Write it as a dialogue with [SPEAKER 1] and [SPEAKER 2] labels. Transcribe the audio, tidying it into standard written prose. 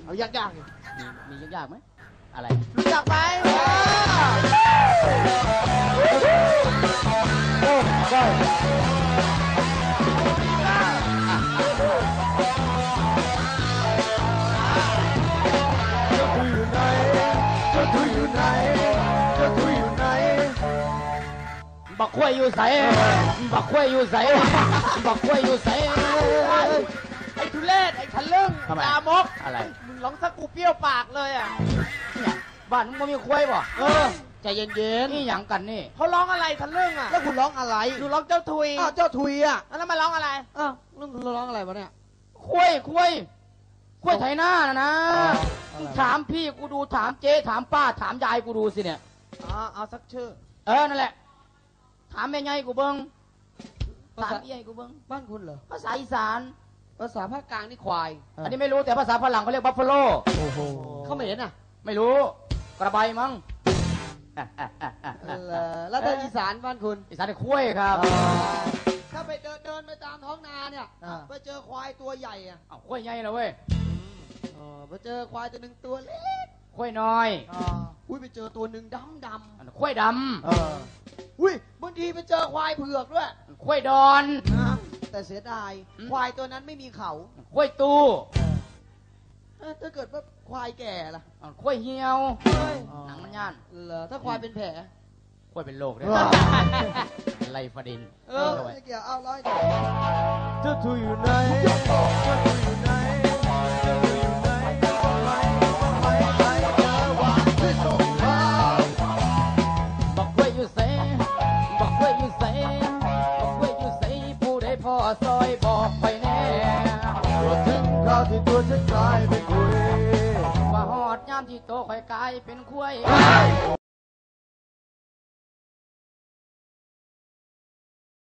[SPEAKER 1] เอายากๆ
[SPEAKER 2] มียากๆไหมอะไร
[SPEAKER 1] รู้จักไหมโอ้ได้
[SPEAKER 2] บักขวยอยู่ใสบักขวยอยู่ใสบักขวยอยู่ใส
[SPEAKER 1] ไอ้ทุเรศไอ้ทะลึ่งลามก
[SPEAKER 2] อะไร
[SPEAKER 1] มึงร้องสักกูเปรี้ยวปากเลยอ่ะ
[SPEAKER 2] เนี่ยบ้านมึงมีขวยป่ะ
[SPEAKER 1] ใจเย็น
[SPEAKER 2] ๆนี่หยังกันนี่
[SPEAKER 1] เขาร้องอะไรทะลึ่งอ่ะแล้วคุณร้องอะไรดูร้องเจ้าทุยเจ้าทุยอ่ะแล้วมาร้องอะไรลุงร้องอะไรวะเนี่ย
[SPEAKER 2] ขวยไถหน้านะถามพี่กูดูถามเจ๊ถามป้าถามยายกูดูสิเนี่ย
[SPEAKER 1] เอาสักชื่อ
[SPEAKER 2] นั่นแหละถามแม่ยายกูเบิ้งถามพี่ยายกูเบิ้ง
[SPEAKER 1] บ้านคุณเหรอ
[SPEAKER 2] ภาษาอีสาน
[SPEAKER 1] ภาษาภาคกลางนี่ควาย
[SPEAKER 2] อันนี้ไม่รู้แต่ภาษาฝรั่งเขาเรียกบัฟฟาโล
[SPEAKER 1] โอ้โหเขาไม่เห็นอ่ะ
[SPEAKER 2] ไม่รู้กระบายมั้ง
[SPEAKER 1] แล้วถ้าอีสานบ้านคุณ
[SPEAKER 2] อีสานคุ้ยครับ
[SPEAKER 1] ถ้าไปเดินไปตามท้องนาเนี่ยไปเจอควายตัวใหญ่อ่ะ
[SPEAKER 2] คุ้ยใหญ่เลยเว้ย
[SPEAKER 1] ไปเจอควายตัวหนึ่งตัวเล็ก
[SPEAKER 2] คุ้ยน้อย
[SPEAKER 1] อุ้ยไปเจอตัวหนึ่งดำ
[SPEAKER 2] คุ้ยด
[SPEAKER 1] ำอุ้ยบางทีไปเจอควายเผือกด้วย
[SPEAKER 2] คุ้ยดอน
[SPEAKER 1] แต่เสียดายควายตัวนั้นไม่มีเขา
[SPEAKER 2] คุ้ยตู้
[SPEAKER 1] ถ้าเกิดว่าควายแก่ล่ะ
[SPEAKER 2] คุ้ยเหี่ยวหนังมันย่าน
[SPEAKER 1] เหรอถ้าควายเป็นแผล
[SPEAKER 2] คุ้ยเป็นโรคได้ไลฟาดิน
[SPEAKER 1] ไม่เกี่ยวเอาร้อย
[SPEAKER 2] เจ้าทุยอยู่ไหนบักคุ้ยอยู่ใสบักคุ้ยอยู่ใสบักคุ้ยอยู่ใสผู้ใดพ่อซอยบอกไปแน่
[SPEAKER 1] ถึงคราวที่ตัวฉันกลายเป็นคุย
[SPEAKER 2] ว่าหอดยามที่โตค่อยกลายเป็นคุ้ย